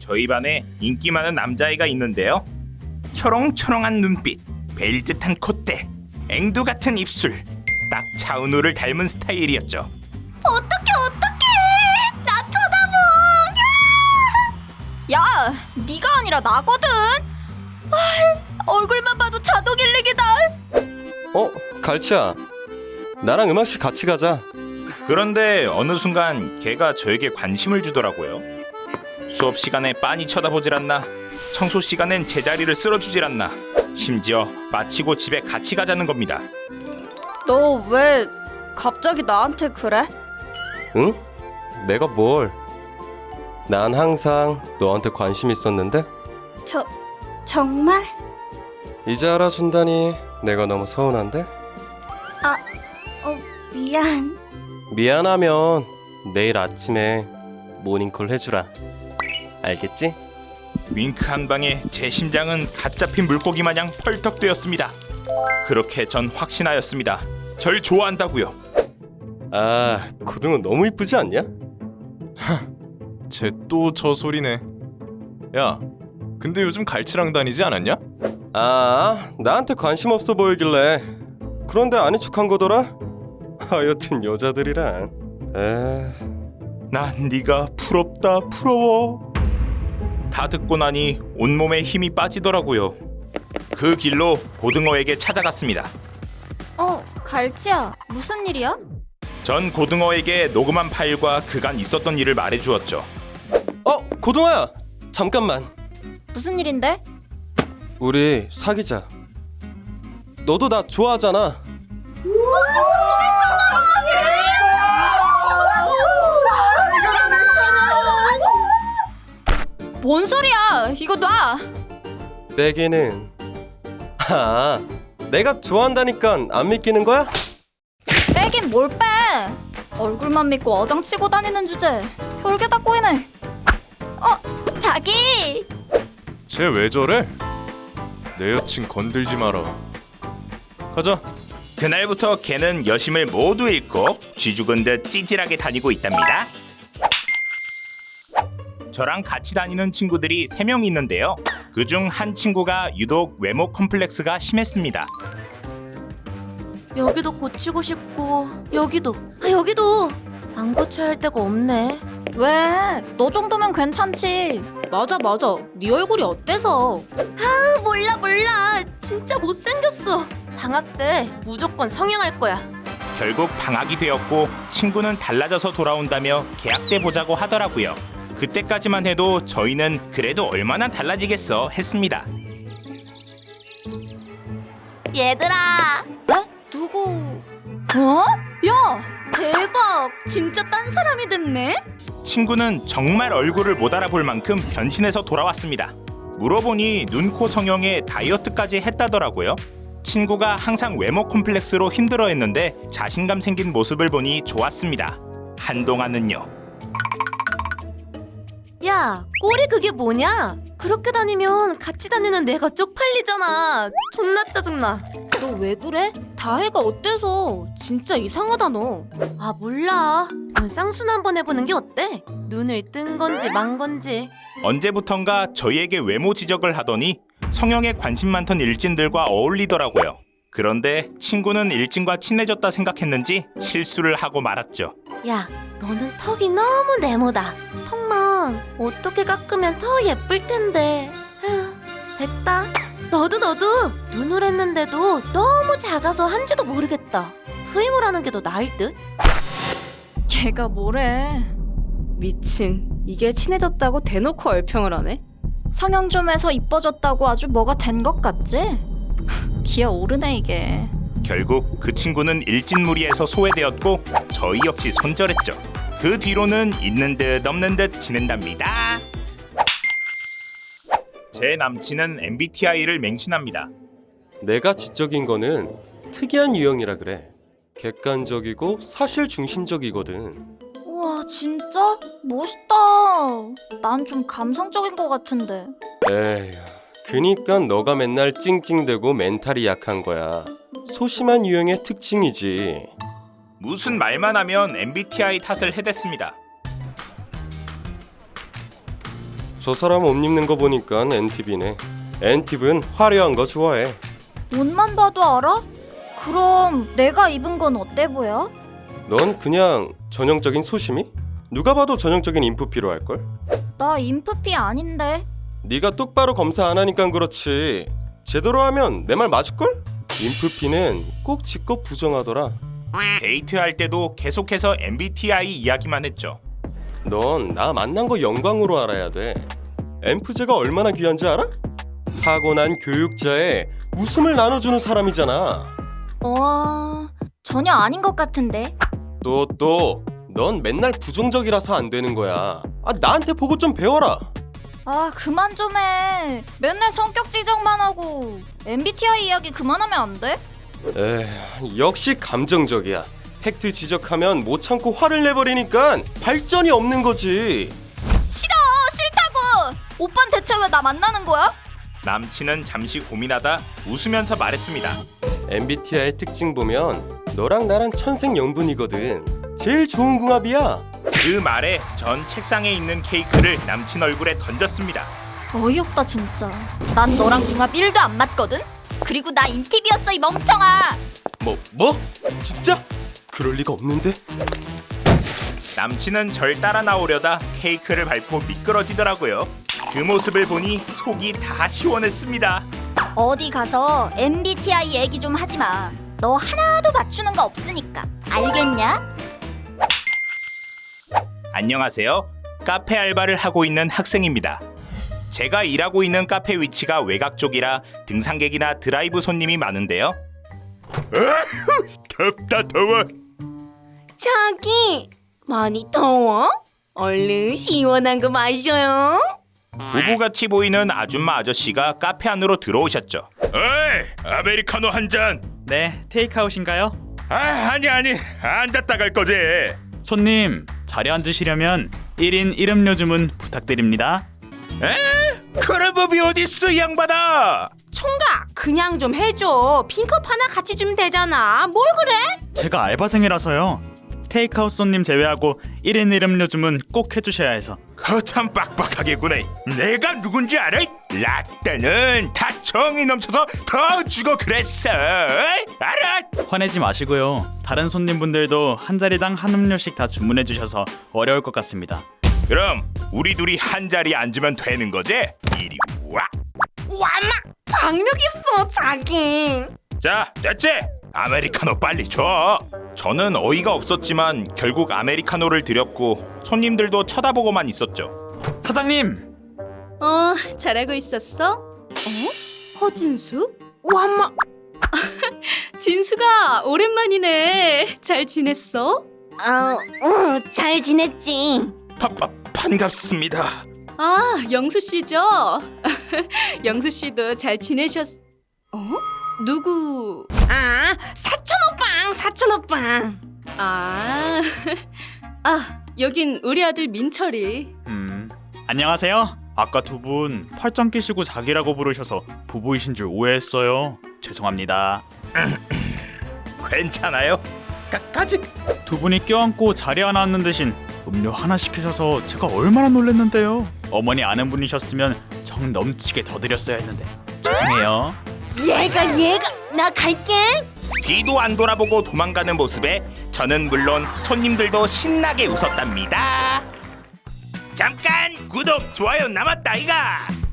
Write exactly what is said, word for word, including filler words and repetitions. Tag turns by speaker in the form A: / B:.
A: 저희 반에 인기 많은 남자애가 있는데요. 초롱초롱한 눈빛, 벨듯한 콧대, 앵두 같은 입술, 딱 차은우를 닮은 스타일이었죠.
B: 어떡해 어떡해 나 쳐다보. 야! 야 네가 아니라 나거든. 아, 얼굴만 봐도 자동 일릭이다.
C: 어? 갈치야, 나랑 음악실 같이 가자.
A: 그런데 어느 순간 걔가 저에게 관심을 주더라고요. 수업 시간에 빤히 쳐다보질 않나, 청소 시간엔 제자리를 쓸어주질 않나, 심지어 마치고 집에 같이 가자는 겁니다.
B: 너 왜 갑자기 나한테 그래?
C: 응? 내가 뭘? 난 항상 너한테 관심 있었는데
B: 저 정말?
C: 이제 알아준다니 내가 너무 서운한데?
B: 아, 어 미안.
C: 미안하면 내일 아침에 모닝콜 해주라. 알겠지?
A: 윙크 한 방에 제 심장은 갓 잡힌 물고기 마냥 펄떡 뛰었습니다. 그렇게 전 확신하였습니다. 절 좋아한다고요.
C: 아, 고등어 너무 이쁘지 않냐?
D: 쟤 또 저 소리네. 야, 근데 요즘 갈치랑 다니지 않았냐?
C: 아, 나한테 관심 없어 보이길래 그런데 아닌 척한 거더라? 하여튼 여자들이란 에...
A: 난 네가 부럽다 부러워. 다 듣고 나니 온몸에 힘이 빠지더라고요. 그 길로 고등어에게 찾아갔습니다.
B: 어 갈치야 무슨 일이야?
A: 전 고등어에게 녹음한 파일과 그간 있었던 일을 말해주었죠.
C: 어, 고등어야! 잠깐만.
B: 무슨 일인데?
C: 우리 사귀자. 너도 나 좋아하잖아.
B: 뭔 소리야? 이거 놔.
C: 빼기는... 아, 내가 좋아한다니까 안 믿기는 거야?
B: 빼긴 뭘 빼? 얼굴만 믿고 어장치고 다니는 주제 별게다 꼬이네. 어 자기.
D: 쟤 왜 저래? 내 여친 건들지 마라. 가자.
A: 그날부터 걔는 여심을 모두 잃고 쥐죽은 듯 찌질하게 다니고 있답니다. 저랑 같이 다니는 친구들이 세 명 있는데요. 그중 한 친구가 유독 외모 컴플렉스가 심했습니다.
E: 여기도 고치고 싶고 여기도 아 여기도 안 고쳐야 할 데가 없네.
B: 왜? 너 정도면 괜찮지.
E: 맞아 맞아 네 얼굴이 어때서? 아 몰라 몰라 진짜 못생겼어. 방학 때 무조건 성형할 거야.
A: 결국 방학이 되었고 친구는 달라져서 돌아온다며 계약 때 보자고 하더라고요. 그때까지만 해도 저희는 그래도 얼마나 달라지겠어 했습니다.
E: 얘들아
B: 에? 누구? 어? 야 대박 진짜 딴 사람이 됐네.
A: 친구는 정말 얼굴을 못 알아볼 만큼 변신해서 돌아왔습니다. 물어보니 눈, 코 성형에 다이어트까지 했다더라고요. 친구가 항상 외모 콤플렉스로 힘들어했는데 자신감 생긴 모습을 보니 좋았습니다. 한동안은요.
E: 야 꼬리 그게 뭐냐? 그렇게 다니면 같이 다니는 내가 쪽팔리잖아. 존나 짜증나. 너 왜 그래? 다혜가 어때서? 진짜 이상하다 너. 아 몰라. 넌 쌍순 한번 해보는 게 어때? 눈을 뜬 건지 만 건지.
A: 언제부턴가 저희에게 외모 지적을 하더니 성형에 관심 많던 일진들과 어울리더라고요. 그런데 친구는 일진과 친해졌다 생각했는지 실수를 하고 말았죠.
E: 야 너는 턱이 너무 네모다. 턱만 어떻게 깎으면 더 예쁠 텐데. 휴, 됐다. 너도 너도 눈을 했는데도 너무 작아서 한지도 모르겠다. 트임을 하는 게 더 나을 듯.
B: 걔가 뭐래?
F: 미친, 이게 친해졌다고 대놓고 얼평을 하네?
B: 성형 좀 해서 이뻐졌다고 아주 뭐가 된 것 같지? 기어오르네 이게.
A: 결국 그 친구는 일진무리에서 소외되었고 저희 역시 손절했죠. 그 뒤로는 있는 듯 없는 듯 지낸답니다. 제 남친은 엠비티아이를 맹신합니다.
C: 내가 지적인 거는 특이한 유형이라 그래. 객관적이고 사실 중심적이거든.
B: 우와 진짜? 멋있다. 난 좀 감성적인 것 같은데.
C: 에휴, 그니까 너가 맨날 찡찡대고 멘탈이 약한 거야. 소심한 유형의 특징이지.
A: 무슨 말만 하면 엠비티아이 탓을 해댔습니다.
C: 저 사람 옷 입는 거 보니까 엔팁이네. 엔팁은 화려한 거 좋아해.
B: 옷만 봐도 알아? 그럼 내가 입은 건 어때 보여?
C: 넌 그냥 전형적인 소심이? 누가 봐도 전형적인 인프피로 할걸?
B: 나 인프피 아닌데.
C: 네가 똑바로 검사 안 하니까 그렇지. 제대로 하면 내 말 맞을걸? 인프피는 꼭 지껏 부정하더라.
A: 데이트할 때도 계속해서 엠비티아이 이야기만 했죠.
C: 넌 나 만난 거 영광으로 알아야 돼. 엠프제가 얼마나 귀한지 알아? 타고난 교육자에 웃음을 나눠주는 사람이잖아.
B: 어... 전혀 아닌 것 같은데.
C: 또 또, 넌 맨날 부정적이라서 안 되는 거야. 아, 나한테 보고 좀 배워라.
B: 아 그만 좀 해. 맨날 성격 지적만 하고. 엠비티아이 이야기 그만하면 안 돼?
C: 에휴, 역시 감정적이야. 팩트 지적하면 못 참고 화를 내버리니까 발전이 없는 거지.
B: 싫어 싫다고. 오빤 대체 왜 나 만나는 거야?
A: 남친은 잠시 고민하다 웃으면서 말했습니다.
C: 엠비티아이 특징 보면 너랑 나랑 천생연분이거든. 제일 좋은 궁합이야.
A: 그 말에 전 책상에 있는 케이크를 남친 얼굴에 던졌습니다.
B: 어이없다 진짜. 난 너랑 궁합 일도 안 맞거든? 그리고 나 인팁이었어 이 멍청아.
C: 뭐 뭐? 진짜? 그럴 리가 없는데.
A: 남친은 절 따라 나오려다 케이크를 밟고 미끄러지더라고요. 그 모습을 보니 속이 다 시원했습니다.
B: 어디 가서 엠비티아이 얘기 좀 하지 마. 너 하나도 맞추는 거 없으니까. 알겠냐?
A: 안녕하세요. 카페 알바를 하고 있는 학생입니다. 제가 일하고 있는 카페 위치가 외곽 쪽이라 등산객이나 드라이브 손님이 많은데요. 덥다 더워.
E: 자기 많이 더워? 얼른 시원한 거 마셔요.
A: 부부같이 보이는 아줌마 아저씨가 카페 안으로 들어오셨죠. 어이, 아메리카노 한 잔.
G: 네, 테이크아웃인가요?
A: 아, 아니 아니, 앉았다 갈 거지.
G: 손님, 자리 앉으시려면 일 인 일 음료 주문 부탁드립니다.
A: 에? 그런 법이 어딨어, 이 양반아.
E: 총각 그냥 좀 해줘. 빈컵 하나 같이 주면 되잖아. 뭘 그래?
G: 제가 알바생이라서요. 테이크아웃 손님 제외하고 일 인 일 음료 주문 꼭 해주셔야 해서.
A: 거참 빡빡하게구나. 내가 누군지 알아? 라떼는 다 정이 넘쳐서 더 주고 그랬어. 알아?
G: 화내지 마시고요. 다른 손님분들도 한 자리당 한 음료씩 다 주문해 주셔서 어려울 것 같습니다.
A: 그럼 우리 둘이 한 자리에 앉으면 되는 거지? 이리 와.
E: 와마 박력 있어 자기.
A: 자, 됐지? 아메리카노 빨리 줘. 저는 어이가 없었지만 결국 아메리카노를 드렸고 손님들도 쳐다보고만 있었죠.
G: 사장님!
H: 어, 잘하고 있었어? 어? 허진수?
E: 와마
H: 진수가 오랜만이네. 잘 지냈어?
E: 어잘 지냈지.
A: 바, 바, 반갑습니다.
H: 아, 영수 씨죠? 영수 씨도 잘 지내셨... 어? 누구?
E: 아 사촌 오빵 사촌 오빵.
H: 아, 아, 여긴 우리 아들 민철이.
G: 음, 안녕하세요. 아까 두 분 팔짱 끼시고 자기라고 부르셔서 부부이신 줄 오해했어요. 죄송합니다.
A: 괜찮아요? 까까지?
G: 두 분이 껴안고 자리 하나 앉는 대신 음료 하나 시키셔서 제가 얼마나 놀랐는데요. 어머니 아는 분이셨으면 정 넘치게 더 드렸어야 했는데 죄송해요.
E: 얘가 얘가 나 갈게.
A: 뒤도 안 돌아보고 도망가는 모습에 저는 물론 손님들도 신나게 웃었답니다. 잠깐 구독 좋아요 남았다 이가.